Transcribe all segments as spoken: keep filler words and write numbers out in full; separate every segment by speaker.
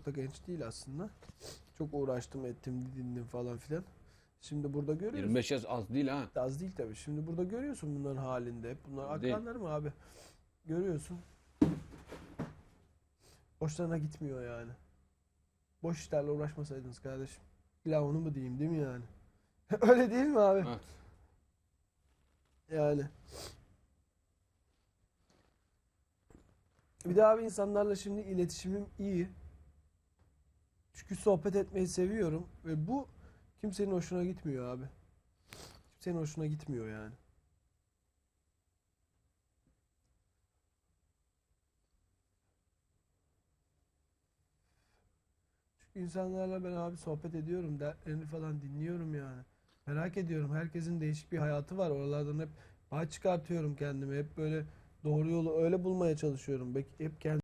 Speaker 1: da genç değil aslında. Çok uğraştım, ettim, didindim falan filan. Şimdi burada görüyorsun.
Speaker 2: yirmi beş yaş az değil ha.
Speaker 1: Az değil tabii. Şimdi burada görüyorsun bunların halinde. Hep bunlar
Speaker 2: Değil.
Speaker 1: akranlar mı abi? Görüyorsun. Hoşlarına gitmiyor yani. Boş işlerle uğraşmasaydınız kardeşim. İlla onu mu diyeyim değil mi yani? Öyle değil mi abi?
Speaker 2: Evet.
Speaker 1: Yani. Bir de abi insanlarla şimdi iletişimim iyi. Çünkü sohbet etmeyi seviyorum. Ve bu kimsenin hoşuna gitmiyor abi. Kimsenin hoşuna gitmiyor yani. Çünkü insanlarla ben abi sohbet ediyorum. Dertlerini falan dinliyorum yani. Merak ediyorum. Herkesin değişik bir hayatı var. Oralardan hep pay çıkartıyorum kendime. Hep böyle doğru yolu öyle bulmaya çalışıyorum. Bek- Hep kendi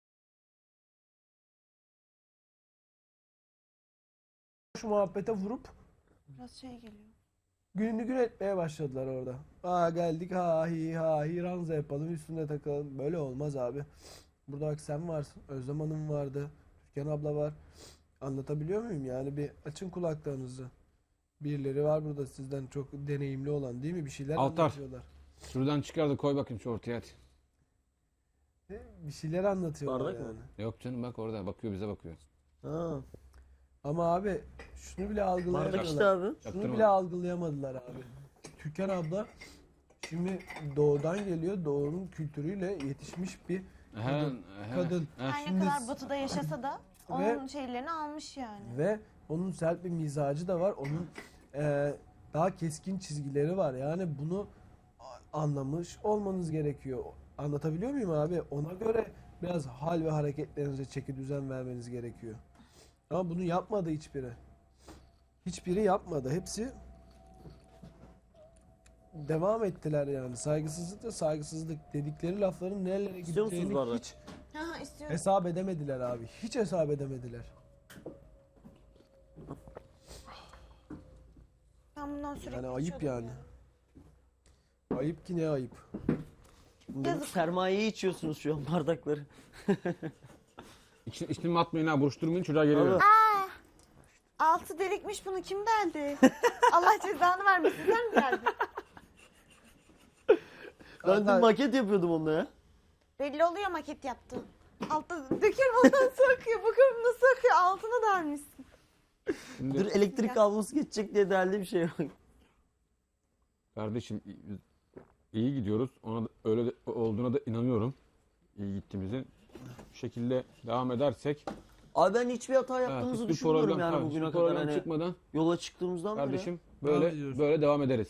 Speaker 1: şu muhabbete vurup
Speaker 3: Biraz şey geliyor.
Speaker 1: gününü gün etmeye başladılar orada. Aa geldik ha hi ha hi ranza yapalım üstüne takalım. Böyle olmaz abi. Burada bak sen varsın. Özlem Hanım vardı. Türkan abla var. Anlatabiliyor muyum? Yani bir açın kulaklarınızı. Birileri var burada sizden çok deneyimli olan değil mi? Bir şeyler
Speaker 2: Altar.
Speaker 1: anlatıyorlar.
Speaker 2: Şuradan çıkar da koy bakayım şu ortaya hadi.
Speaker 1: Bir şeyler anlatıyorlar
Speaker 4: Bardak mı?
Speaker 1: yani.
Speaker 2: Yok canım bak orada bakıyor bize bakıyor.
Speaker 4: Ha.
Speaker 1: Ama abi şunu bile
Speaker 4: Bardak
Speaker 1: algılayamadılar.
Speaker 4: işte abi.
Speaker 1: Şunu
Speaker 2: Yaptırma.
Speaker 1: bile algılayamadılar abi. Türkan abla şimdi doğudan geliyor. Doğunun kültürüyle yetişmiş bir
Speaker 2: He,
Speaker 1: kadın.
Speaker 2: he,
Speaker 1: kadın.
Speaker 2: he.
Speaker 3: Her ne
Speaker 1: Şimdi
Speaker 3: kadar
Speaker 1: s-
Speaker 3: batıda yaşasa da onun şeylerini almış yani.
Speaker 1: Ve onun sert bir mizacı da var. Onun eee, daha keskin çizgileri var. Yani bunu a- anlamış olmanız gerekiyor. Anlatabiliyor muyum abi? Ona göre biraz hal ve hareketlerinize çeki düzen vermeniz gerekiyor. Ama bunu yapmadı hiçbiri. Hiçbiri yapmadı. Hepsi devam ettiler yani. Saygısızlık da saygısızlık dedikleri lafların nerelere
Speaker 4: İstiyor musunuz
Speaker 1: gideceğini
Speaker 4: bardak?
Speaker 1: hiç
Speaker 3: Ha istiyorum.
Speaker 1: hesap edemediler abi. Hiç hesap edemediler.
Speaker 3: Ben bundan sürekli
Speaker 1: Yani ayıp
Speaker 3: içiyordum
Speaker 1: yani.
Speaker 3: ya.
Speaker 1: Ayıp ki ne ayıp.
Speaker 3: Yazık.
Speaker 4: Sermayeyi içiyorsunuz şu an bardakları.
Speaker 2: İç, içtim atmayın ha buruşturmayın çocuğa geliyor.
Speaker 4: Abi.
Speaker 3: Altı delikmiş, bunu kim deldi? Allah cezanı vermesin, sen mi geldin?
Speaker 4: Ben dün
Speaker 1: Zaten-
Speaker 4: maket yapıyordum onunla ya.
Speaker 3: Belli oluyor maket yaptı. Altta döküyorum ondan nasıl akıyor. Bakıyorum nasıl akıyor. Altına delmişsin.
Speaker 2: Şimdi
Speaker 4: Dur elektrik kablosu geçecek diye değerli bir şey yok.
Speaker 2: kardeşim iyi gidiyoruz. Ona da, öyle de, olduğuna da inanıyorum. İyi gittiğimizi. Bu şekilde devam edersek
Speaker 4: Abi ben hiçbir hata
Speaker 2: ha,
Speaker 4: yaptığımızı
Speaker 2: hiçbir
Speaker 4: düşünmüyorum
Speaker 2: problem,
Speaker 4: yani
Speaker 2: ha,
Speaker 4: bugüne
Speaker 2: hiçbir
Speaker 4: kadar.
Speaker 2: problem
Speaker 4: Hani
Speaker 2: çıkmadan
Speaker 4: yola çıktığımızdan beri.
Speaker 2: kardeşim
Speaker 1: Devam
Speaker 2: böyle
Speaker 1: ediyoruz.
Speaker 2: böyle devam ederiz.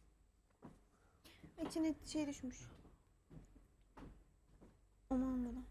Speaker 3: İçine şey düşmüş. Onu almadan.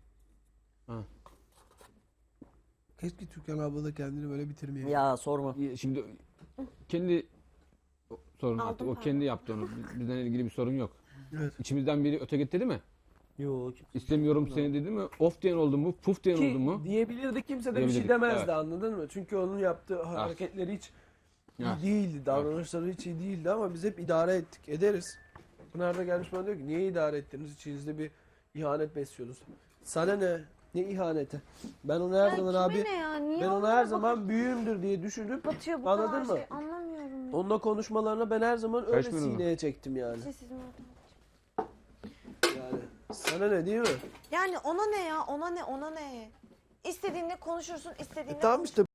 Speaker 1: Keşke Türkan abla da kendini böyle bitirmeye.
Speaker 4: Ya sorma.
Speaker 2: Şimdi kendi sorun artık.
Speaker 3: Aldım
Speaker 2: O
Speaker 3: pardon.
Speaker 2: kendi yaptı onu. Bizden ilgili bir sorun yok.
Speaker 1: Evet.
Speaker 2: İçimizden biri öte gitti değil mi?
Speaker 4: Yok.
Speaker 2: İstemiyorum seni dedi mi? Of diyen oldu mu? Puf diyen oldu mu?
Speaker 1: Ki diyebilirdi, kimse de bir şey
Speaker 2: Diyebilirdik,
Speaker 1: demezdi,
Speaker 2: evet.
Speaker 1: anladın mı? Çünkü onun yaptığı hareketleri hiç iyi
Speaker 2: Evet.
Speaker 1: değildi. Davranışları hiç iyi değildi ama biz hep idare ettik. Ederiz. Pınar da gelmiş bana diyor ki niye idare ettiniz? İçinizde bir ihanet besliyorsunuz. Sana ne? Ne ihaneti? Ben onu her
Speaker 3: Ya
Speaker 1: zaman
Speaker 3: kime
Speaker 1: abi
Speaker 3: ne ya? Niye
Speaker 1: ben ona
Speaker 3: onlara
Speaker 1: her
Speaker 3: bakıp
Speaker 1: zaman büyüğümdür diye düşünüp
Speaker 3: batıyor bu
Speaker 1: anladın
Speaker 3: kadar
Speaker 1: mı?
Speaker 3: şey? Anlamıyorum.
Speaker 1: Onunla konuşmalarına ben her zaman öyle
Speaker 2: Karışmıyoruz mu?
Speaker 1: sineye çektim yani.
Speaker 3: Sessizim orada.
Speaker 1: Yani sana ne değil mi?
Speaker 3: Yani ona ne ya? Ona ne? Ona ne? İstediğinde konuşursun, istediğinde
Speaker 1: E tamam işte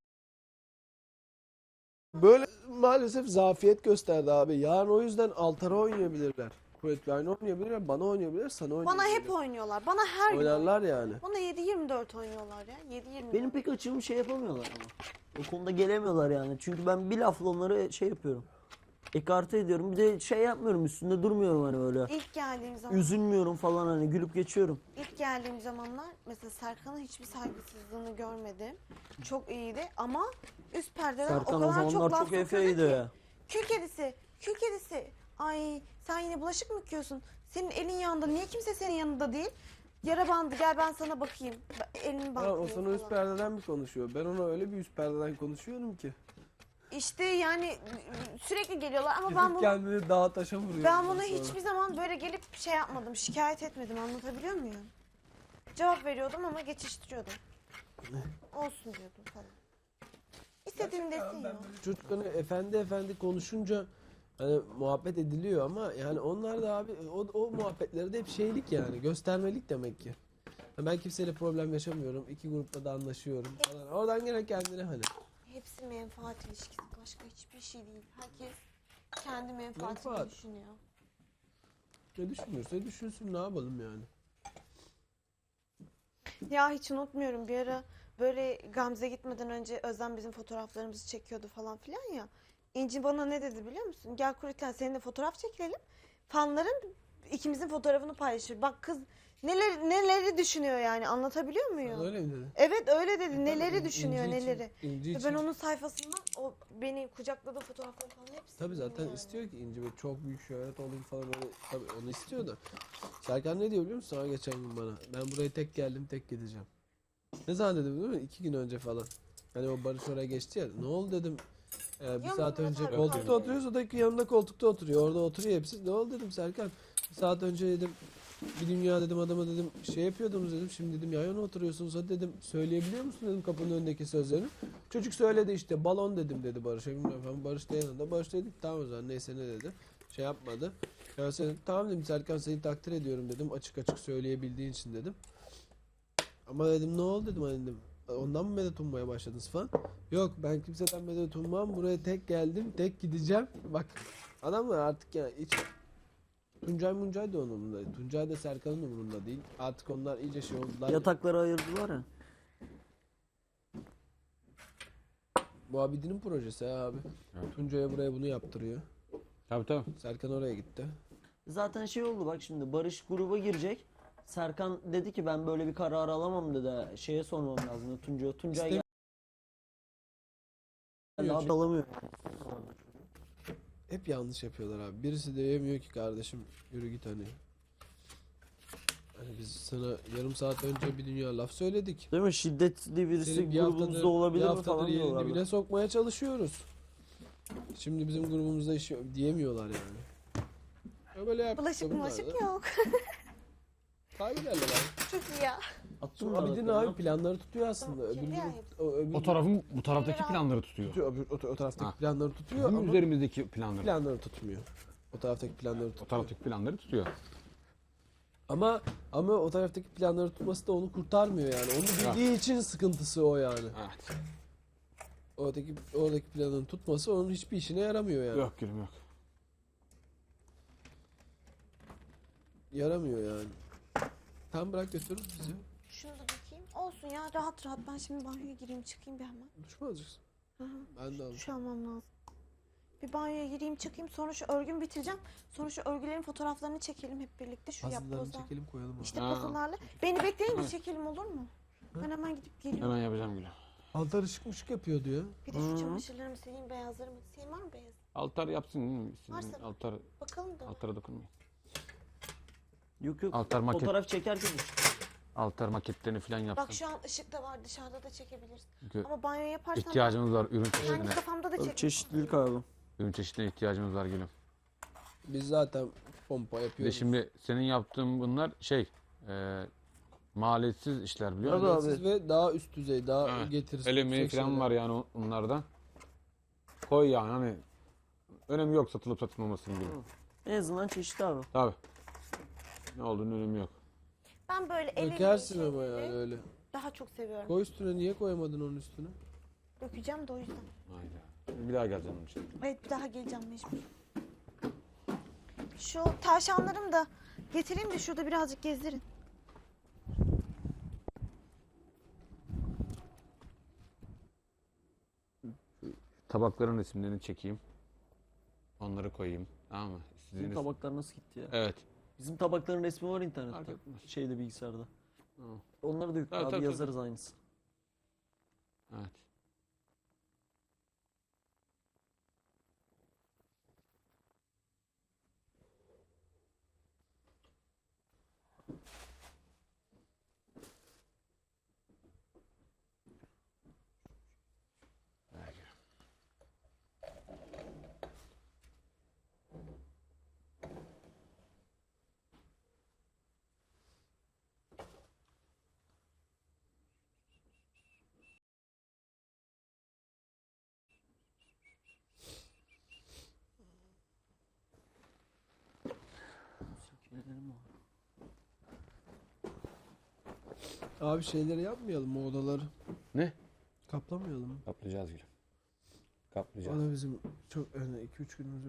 Speaker 1: böyle maalesef zafiyet gösterdi abi. Yarın o yüzden altara oynayabilirler. Kuvvetli aynı oynayabilirler, bana oynayabilirler, sana oynayabilirler.
Speaker 3: bana hep oynuyorlar. Bana her gün
Speaker 1: oynarlar yani.
Speaker 3: Bana yedi yirmi dört oynuyorlar ya. yedi yirmi dört.
Speaker 4: Benim pek açığımı şey yapamıyorlar ama. O konuda gelemiyorlar yani. Çünkü ben bir lafla onları şey yapıyorum. Ekarte ediyorum. Bir de şey yapmıyorum, üstünde durmuyorum hani öyle.
Speaker 3: İlk geldiğim zaman,
Speaker 4: Üzülmüyorum falan, hani gülüp geçiyorum.
Speaker 3: ilk geldiğim zamanlar mesela Serkan'ın hiçbir saygısızlığını görmedim. Çok iyiydi ama üst perdeden
Speaker 4: Serkan
Speaker 3: o
Speaker 4: o
Speaker 3: kadar
Speaker 4: zamanlar
Speaker 3: çok laf
Speaker 4: çok
Speaker 3: sokuyordu
Speaker 4: efeydi
Speaker 3: ki.
Speaker 4: ya.
Speaker 3: Kül kedisi, kül kedisi. Ay sen yine bulaşık mı yıkıyorsun? Senin elin yanında. Niye kimse senin yanında değil? Yara bandı, gel ben sana bakayım. Elini
Speaker 1: Ha,
Speaker 3: bantlıyor
Speaker 1: o sana üst
Speaker 3: falan.
Speaker 1: perdeden mi konuşuyor? Ben ona öyle bir üst perdeden konuşuyorum ki.
Speaker 3: İşte yani sürekli geliyorlar ama
Speaker 1: Gidip
Speaker 3: ben bunu
Speaker 1: kendini dağa taşa vuruyor.
Speaker 3: ben bunu
Speaker 1: ondan sonra.
Speaker 3: hiçbir zaman böyle gelip şey yapmadım, şikayet etmedim. Anlatabiliyor muyum? Cevap veriyordum ama geçiştiriyordum. Olsun diyordum falan. İstediğin desin ya.
Speaker 1: Çocuklarına efendi efendi konuşunca hani muhabbet ediliyor ama yani onlar da abi o, o muhabbetleri de hep şeylik yani göstermelik demek ki. Ha, ben kimseyle problem yaşamıyorum. İki grupla da anlaşıyorum falan. Oradan gene kendine hani.
Speaker 3: Hepsi menfaat ilişkisi. Başka hiçbir şey değil. Herkes kendi menfaatini
Speaker 1: Menfaat.
Speaker 3: düşünüyor.
Speaker 1: Ne düşünürse düşünsün ne yapalım yani.
Speaker 3: Ya hiç unutmuyorum bir ara böyle Gamze gitmeden önce Özlem bizim fotoğraflarımızı çekiyordu falan filan ya. İnci bana ne dedi biliyor musun? Gel Kuriten seninle fotoğraf çekilelim. Fanların ikimizin fotoğrafını paylaşır. Bak kız neler neleri düşünüyor yani anlatabiliyor muyum?
Speaker 1: Öyle mi dedi?
Speaker 3: Evet öyle dedi. Neleri
Speaker 1: İnci
Speaker 3: düşünüyor
Speaker 1: için-
Speaker 3: neleri.
Speaker 1: İnci
Speaker 3: Ve
Speaker 1: için-
Speaker 3: ben onun sayfasından o beni kucakladığı fotoğrafları falan hepsini
Speaker 1: Tabii zaten
Speaker 3: yani.
Speaker 1: istiyor ki İnci böyle çok büyük şöhret olayım falan öyle tabii onu istiyor da. Serkan ne diyor biliyor musun sana geçen gün bana? Ben buraya tek geldim tek gideceğim. Ne zaman dedim biliyor musun? İki gün önce falan. Hani o Barış oraya geçti ya. Ne oldu dedim. Ee, bir
Speaker 3: Ya
Speaker 1: saat
Speaker 3: Murat
Speaker 1: önce
Speaker 3: abi
Speaker 1: koltukta
Speaker 3: kaldı.
Speaker 1: oturuyoruz. O da yanında koltukta oturuyor. Orada oturuyor hepsi. Ne oldu dedim Serkan. Bir saat önce dedim. Bir dünya dedim adama dedim şey yapıyordunuz dedim. Şimdi dedim yan yana oturuyorsunuz. Hadi dedim söyleyebiliyor musun dedim kapının önündeki sözlerini. Çocuk söyledi işte balon dedim dedi Barış'a. Bilmiyorum efendim Barış da yanında. Barış dedik tamam o zaman neyse ne dedi. Şey yapmadı. Ya sen, tamam dedim Serkan seni takdir ediyorum dedim. Açık açık söyleyebildiğin için dedim. Ama dedim ne oldu dedim hani dedim. Ondan mı medet ummaya başladınız falan. Yok ben kimseden medet ummam. Buraya tek geldim. Tek gideceğim. Bak adamlar artık ya hiç Tuncay Muncay da onun umurunda değil. Tuncay da Serkan'ın umurunda değil. Artık onlar iyice şey oldular. ya.
Speaker 4: Yatakları ayırdılar ya.
Speaker 1: Bu abidinin projesi ha abi.
Speaker 2: Evet.
Speaker 1: Tuncay'a buraya bunu yaptırıyor.
Speaker 2: Tabii tabii.
Speaker 1: Serkan oraya gitti.
Speaker 4: Zaten şey oldu bak şimdi Barış gruba girecek. Serkan dedi ki ben böyle bir karar alamam dedi. Şeye sormam lazım Tuncay'a. Tuncay
Speaker 1: İstemiyor
Speaker 4: geldi abi
Speaker 1: çünkü.
Speaker 4: alamıyor.
Speaker 1: Hep yanlış yapıyorlar abi. Birisi de yemiyor ki kardeşim yürü git hani. Hani biz sana yarım saat önce bir dünya laf söyledik.
Speaker 4: Değil mi? Şiddetli birisi
Speaker 1: Senin bir
Speaker 4: grubumuzda
Speaker 1: haftadır,
Speaker 4: olabilir
Speaker 1: bir
Speaker 4: mi
Speaker 1: haftadır
Speaker 4: falan
Speaker 1: yerin
Speaker 4: diyorlardı.
Speaker 1: dibine sokmaya çalışıyoruz. Şimdi bizim grubumuzda iş diyemiyorlar yani. Ya böyle yaptık
Speaker 3: Bulaşık
Speaker 1: da bunlar
Speaker 3: bulaşık
Speaker 1: da
Speaker 3: yok.
Speaker 1: kaybederler abi.
Speaker 3: Çok iyi ya.
Speaker 4: Attım
Speaker 1: Şu
Speaker 4: da
Speaker 1: Abidin
Speaker 4: bakalım.
Speaker 1: abi planları tutuyor aslında.
Speaker 3: Tamam,
Speaker 1: Öbür,
Speaker 3: kirli
Speaker 1: grup-
Speaker 3: ayıp.
Speaker 1: o, öbür
Speaker 2: O tarafın bu taraftaki
Speaker 3: Kirli
Speaker 2: planları tutuyor.
Speaker 1: tutuyor, öbür, o, o taraftaki
Speaker 2: Ha.
Speaker 1: planları tutuyor
Speaker 2: Bizim
Speaker 1: ama
Speaker 2: üzerimizdeki planları.
Speaker 1: planları tutmuyor. O taraftaki planları
Speaker 2: O
Speaker 1: tutuyor.
Speaker 2: taraftaki planları tutuyor.
Speaker 1: Ama ama o taraftaki planları tutması da onu kurtarmıyor yani. Onu bildiği için sıkıntısı o yani.
Speaker 2: Evet.
Speaker 1: Oradaki oradaki planın tutması onun hiçbir işine yaramıyor yani.
Speaker 2: Yok gülüm yok.
Speaker 1: Yaramıyor yani. Tam bırak götürür bizi.
Speaker 3: Şunu da bakayım. Olsun ya rahat rahat. Ben şimdi banyoya gireyim çıkayım bir hemen.
Speaker 1: Duş mu alacaksın?
Speaker 3: Hı hı.
Speaker 1: Ben de alacağım.
Speaker 3: Duş almam lazım. Bir banyoya gireyim çıkayım sonra şu örgümü bitireceğim. Sonra şu örgülerin fotoğraflarını çekelim hep birlikte şu
Speaker 1: Puzzle'larını
Speaker 3: yapbozlar.
Speaker 1: çekelim koyalım.
Speaker 3: İşte
Speaker 2: Ha.
Speaker 3: puzzle'larla. Beni bekleyin mi
Speaker 2: Evet.
Speaker 3: çekelim olur mu? Ben hemen gidip geliyorum.
Speaker 2: Hemen yapacağım gülüm.
Speaker 1: Altar ışık mışık yapıyor diyor.
Speaker 3: Bir de şu çamaşırlarımı sileyim beyazlarımı. Senin var mı beyaz?
Speaker 2: Altar yapsın değil mi? Sizin
Speaker 3: Varsa-
Speaker 2: altar,
Speaker 3: Bakalım da.
Speaker 2: altara dokunmayın.
Speaker 4: Yok yok.
Speaker 2: Altar maket,
Speaker 4: Fotoğraf çekerken
Speaker 2: altar maketlerini falan yapsın.
Speaker 3: Bak şu an ışık da var dışarıda da çekebiliriz.
Speaker 2: Çünkü
Speaker 3: Ama banyo yaparsam
Speaker 2: ihtiyacımız var ürün
Speaker 3: kendi
Speaker 2: çeşidine.
Speaker 3: kafamda da çekerim.
Speaker 4: çeşitlilik abi.
Speaker 2: Ürün çeşidine ihtiyacımız var gülüm.
Speaker 1: Biz zaten pompa
Speaker 2: Bir de
Speaker 1: yapıyoruz.
Speaker 2: şimdi senin yaptığın bunlar şey, e, maliyetsiz işler biliyor musun?
Speaker 4: Tabii
Speaker 1: Maliyetsiz ve daha üst düzey, daha
Speaker 2: Evet.
Speaker 1: getirisi
Speaker 2: El emeği
Speaker 1: yüksek
Speaker 2: falan
Speaker 1: şeyler.
Speaker 2: var yani on- onlardan. Koy yani hani önemi yok satılıp satılmamasının gibi.
Speaker 4: En azından çeşitli abi.
Speaker 2: Tabii. Ne olduğunun önemi yok.
Speaker 3: Ben böyle el
Speaker 1: Dökersin
Speaker 3: emeği
Speaker 1: ama
Speaker 3: şeyleri
Speaker 1: yani öyle.
Speaker 3: daha çok seviyorum.
Speaker 1: Koy üstüne niye koyamadın onun üstüne?
Speaker 3: Dökeceğim de o yüzden.
Speaker 2: Hayda. Bir daha geleceğim onun için.
Speaker 3: Evet bir daha geleceğim mecbur. Şu tavşanlarımı da getireyim de şurada birazcık gezdirin.
Speaker 2: Tabakların resimlerini çekeyim. Onları koyayım. Tamam mı?
Speaker 4: Bizim
Speaker 2: Sizin
Speaker 4: tabaklar nasıl gitti ya?
Speaker 2: Evet.
Speaker 4: Bizim tabakların resmi var internette.
Speaker 2: Fark etmez.
Speaker 4: Şeyde bilgisayarda.
Speaker 2: Tamam.
Speaker 4: Onları da yükle
Speaker 2: Tabii,
Speaker 4: abi
Speaker 2: tabii,
Speaker 4: yazarız aynısı.
Speaker 2: Evet.
Speaker 4: Sinirlerim var.
Speaker 1: Abi şeyleri yapmayalım mı, odaları?
Speaker 2: Ne?
Speaker 1: Kaplamayalım mı?
Speaker 2: Kaplayacağız gülüm. Kaplayacağız.
Speaker 1: Bana bizim çok yani iki üç günümüz